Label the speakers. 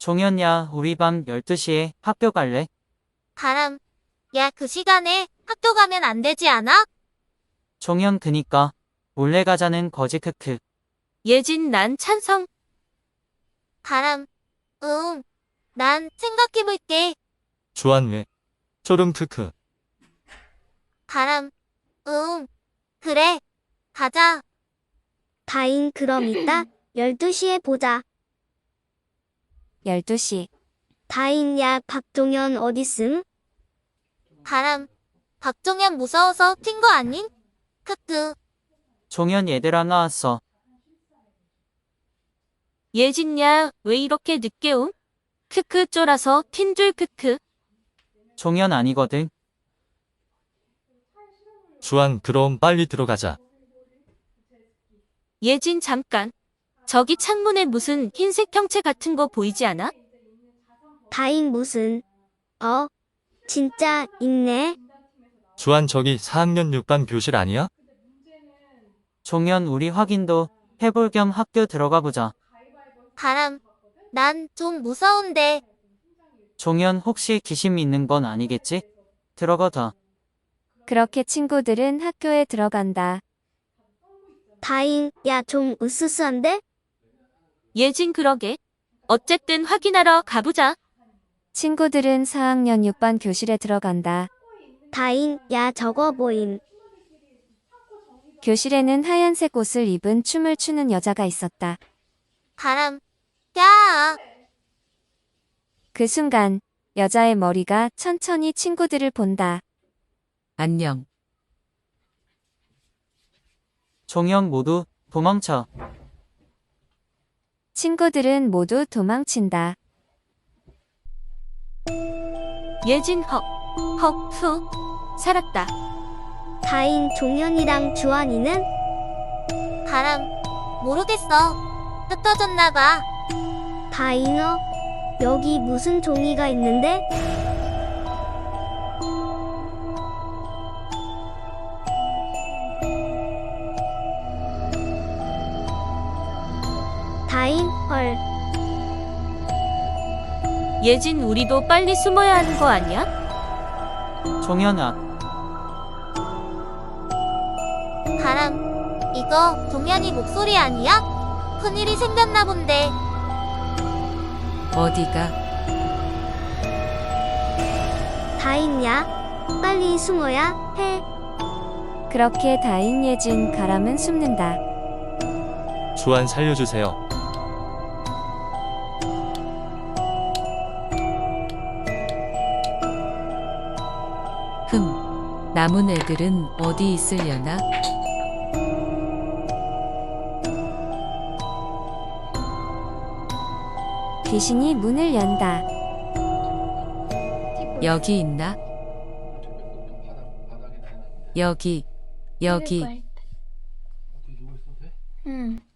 Speaker 1: 종현야, 우리 밤 12시에 학교 갈래?
Speaker 2: 바람. 야, 그 시간에 학교 가면 안 되지 않아?
Speaker 1: 종현 그니까. 몰래 가자는 거지 크크.
Speaker 3: 예진 난 찬성.
Speaker 2: 바람. 응. 난 생각해볼게.
Speaker 4: 주한 왜? 초름 크크.
Speaker 2: 바람. 응. 그래. 가자.
Speaker 5: 다인 그럼 이따 12시에 보자.
Speaker 3: 12시.
Speaker 5: 다인 야 박종현 어딨음?
Speaker 2: 바람. 박종현 무서워서 튄 거 아닌? 크크.
Speaker 1: 종현 얘들아 나왔어.
Speaker 3: 예진야, 왜 이렇게 늦게 옴? 크크 쫄아서 튄 줄 크크.
Speaker 1: 종현 아니거든.
Speaker 4: 주한 그럼 빨리 들어가자.
Speaker 3: 예진 잠깐. 저기 창문에 무슨 흰색 형체 같은 거 보이지 않아?
Speaker 5: 다인 무슨? 진짜 있네.
Speaker 4: 주한 저기 4학년 6반 교실 아니야?
Speaker 1: 종현 우리 확인도 해볼 겸 학교 들어가 보자.
Speaker 2: 바람. 난 좀 무서운데.
Speaker 1: 종현 혹시 귀신 믿는 건 아니겠지? 들어가자.
Speaker 6: 그렇게 친구들은 학교에 들어간다.
Speaker 5: 다인 야 좀 으스스한데?
Speaker 3: 예진 그러게. 어쨌든 확인하러 가보자.
Speaker 6: 친구들은 4학년 6반 교실에 들어간다.
Speaker 5: 다인 야 저거 보임.
Speaker 6: 교실에는 하얀색 옷을 입은 춤을 추는 여자가 있었다.
Speaker 2: 바람. 야.
Speaker 6: 그 순간 여자의 머리가 천천히 친구들을 본다.
Speaker 7: 안녕.
Speaker 1: 종현 모두 도망쳐.
Speaker 6: 친구들은 모두 도망친다.
Speaker 3: 예진 헉 후. 살았다.
Speaker 5: 다인 종현이랑 주한이는?
Speaker 2: 바람. 모르겠어. 흩어졌나봐.
Speaker 5: 다인어? 여기 무슨 종이가 있는데? 다인 헐.
Speaker 3: 예진 우리도 빨리 숨어야 하는 거 아니야?
Speaker 1: 종현아,
Speaker 2: 바람. 이거 동현이 목소리 아니야? 큰일이 생겼나 본데.
Speaker 7: 어디가?
Speaker 5: 다인야 빨리 숨어야 해.
Speaker 6: 그렇게 다인 예진 가람은 숨는다.
Speaker 4: 주한 살려주세요.
Speaker 7: 남은 애들은 어디 있으려나?
Speaker 6: 귀신이 문을 연다.
Speaker 7: 여기 있나? 여기.
Speaker 5: 응.